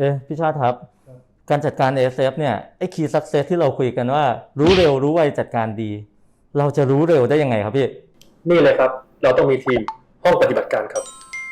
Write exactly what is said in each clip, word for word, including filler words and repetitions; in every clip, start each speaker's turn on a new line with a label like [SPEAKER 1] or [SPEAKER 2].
[SPEAKER 1] เอ๊ะพี่ชาติครับการจัดการ เอ เอส เอฟ เนี่ยไอ้ Key Success ที่เราคุยกันว่ารู้เร็วรู้ไวจัดการดีเราจะรู้เร็วได้ยังไงครับพี่
[SPEAKER 2] นี่เลยครับเราต้องมีทีมห้องปฏิบัติการครับ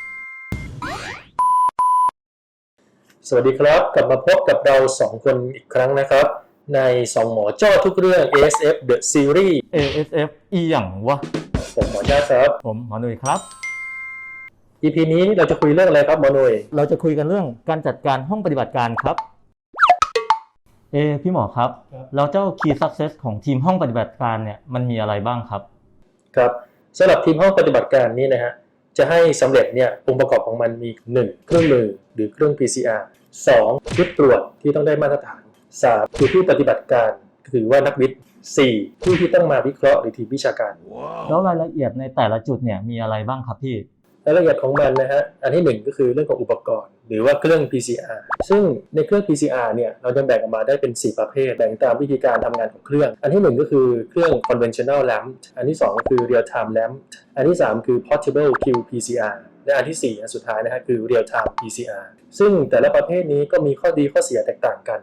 [SPEAKER 2] สวัสดีครับกลับมาพบกับเราสองคนอีกครั้งนะครับในสองหมอจ้อทุกเรื่อง เอ เอส เอฟ The Series
[SPEAKER 1] เอ เอส เอฟ อีหยังวะ
[SPEAKER 2] ผมหมอจ้าครับ
[SPEAKER 1] ผมหมอหนุ่ยครับ
[SPEAKER 2] อี พี นี้เราจะคุยเรื่องอะไรครับหมอหนุ่ย
[SPEAKER 1] เราจะคุยกันเรื่องการจัดการห้องปฏิบัติการครับเอพี่หมอครับแล้วเจ้า Key Success ของทีมห้องปฏิบัติการเนี่ยมันมีอะไรบ้างครับ
[SPEAKER 2] ครับสำหรับทีมห้องปฏิบัติการนี้นะฮะจะให้สำเร็จเนี่ยองค์ประกอบของมันมีหนึ่งเครื่องมือหรือเครื่อง พี ซี อาร์ สองชุดตรวจที่ต้องได้มาตรฐานสามคือผู้ปฏิบัติการคือว่านักวิทย์สี่ผู้ที่ต้องมาวิเคราะห์หรือทีมวิชาการ
[SPEAKER 1] wow. แล้วรายละเอียดในแต่ละจุดเนี่ยมีอะไรบ้างครับพี่
[SPEAKER 2] รายละเอียดของมันนะฮะอันที่หนึ่งก็คือเรื่องของอุปกรณ์หรือว่าเครื่อง พี ซี อาร์ ซึ่งในเครื่อง พี ซี อาร์ เนี่ยเราจะแบ่งออกมาได้เป็นสี่ประเภทแบ่งตามวิธีการทำงานของเครื่องอันที่หนึ่งก็คือเครื่อง conventional lamp อันที่สองก็คือ real time lamp อันที่สามคือ portable คิว พี ซี อาร์ และอันที่สี่อันสุดท้ายนะฮะคือ real time พี ซี อาร์ ซึ่งแต่ละประเภทนี้ก็มีข้อดีข้อเสียแตกต่างกัน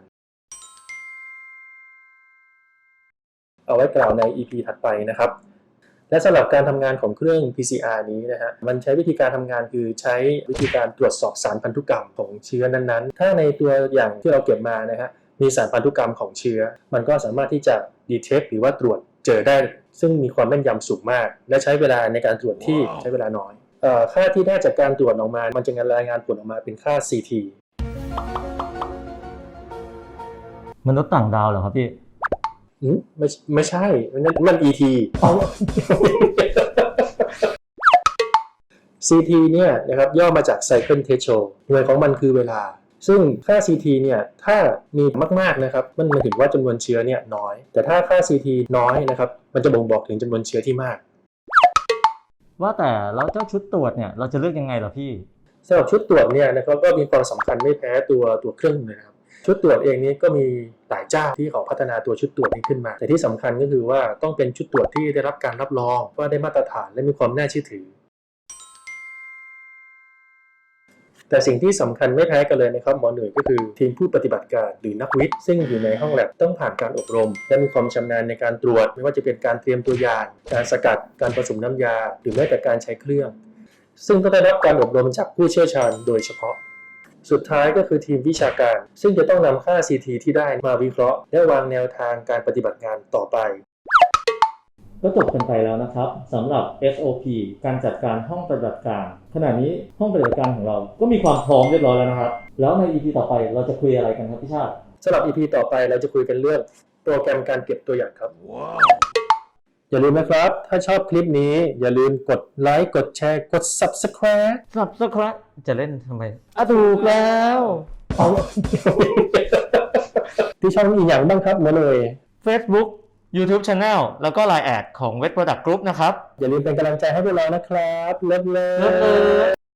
[SPEAKER 2] เอาไว้กล่าวใน อี พี ถัดไปนะครับและสำหรับการทำงานของเครื่อง พี ซี อาร์ นี้นะฮะมันใช้วิธีการทำงานคือใช้วิธีการตรวจสอบสารพันธุกรรมของเชื้อนั้นๆถ้าในตัวอย่างที่เราเก็บมานะฮะมีสารพันธุกรรมของเชื้อมันก็สามารถที่จะ detect หรือว่าตรวจเจอได้ซึ่งมีความแม่นยำสูงมากและใช้เวลาในการตรวจที่ wow. ใช้เวลาน้อยเอ่อค่าที่ได้จากการตรวจออกมามันจะรายงานผลออกมาเป็นค่า ซี ที
[SPEAKER 1] มนุษย์ต่างดาวเหรอครับพี่
[SPEAKER 2] ไม่ไม่ใช่มันมัน อี ที ซี ที เนี่ยนะครับย่อมาจาก Cycle Threshold หน่วยของมันคือเวลาซึ่งค่า ซี ที เนี่ยถ้ามีมากๆนะครับมันหมายถึงว่าจำนวนเชื้อเนี่ยน้อยแต่ถ้าค่า ซี ที น้อยนะครับมันจะบ่งบอกถึงจำนวนเชื้อที่มาก
[SPEAKER 1] ว่าแต่แล้วเจ้าชุดตรวจเนี่ยเราจะเลือกยังไงล่ะพี่
[SPEAKER 2] สำหรับชุดตรวจเนี่ยนะครับก็มีความสำคัญไม่แพ้ตัวตัวเครื่องเลยนะครับชุดตรวจเองนี้ก็มีหลายเจ้าที่เขาพัฒนาตัวชุดตรวจนี้ขึ้นมาแต่ที่สำคัญก็คือว่าต้องเป็นชุดตรวจที่ได้รับการรับรองว่าได้มาตรฐานและมีความน่าเชื่อถือแต่สิ่งที่สำคัญไม่แพ้กันเลยนะครับหมอหน่วยก็คือทีมผู้ปฏิบัติการหรือนักวิทย์ซึ่งอยู่ในห้องแลบต้องผ่านการอบรมและมีความชำนาญในการตรวจไม่ว่าจะเป็นการเตรียมตัวอย่างการสกัดการผสมน้ำยาหรือแม้แต่การใช้เครื่องซึ่งต้องได้รับการอบรมจากผู้เชี่ยวชาญโดยเฉพาะสุดท้ายก็คือทีมวิชาการซึ่งจะต้องนำค่า ซี ที ที่ได้มาวิเคราะห์และวางแนวทางการปฏิบัติงานต่อไป
[SPEAKER 1] ก็จบกันไปแล้วนะครับสำหรับ เอส โอ พี การจัดการห้องปฏิบัติการขณะนี้ห้องปฏิบัติการของเราก็มีความพร้อมเรียบร้อยแล้วนะครับแล้วใน อี พี ต่อไปเราจะคุยอะไรกันครับพี่ชาติ
[SPEAKER 2] สำหรับ อี พี ต่อไปเราจะคุยกันเรื่องโปรแกรมการเก็บตัวอย่างครับ wow. อย่าลืมนะครับถ้าชอบคลิปนี้อย่าลืมกดไลค์กดแชร์กด Subscribe
[SPEAKER 1] Subscribe จะเล่นทำไมอ่ะถูกแล้ว
[SPEAKER 2] เอาที่ช่องอีกอย่างบ้างครับมาเลย
[SPEAKER 1] Facebook YouTube Channel แล้วก็ ไลน์ แอดของ Wet Product Group นะครับ
[SPEAKER 2] อย่าลืมเป็นกำลังใจให้พวกเรานะครับเลิฟเลิฟ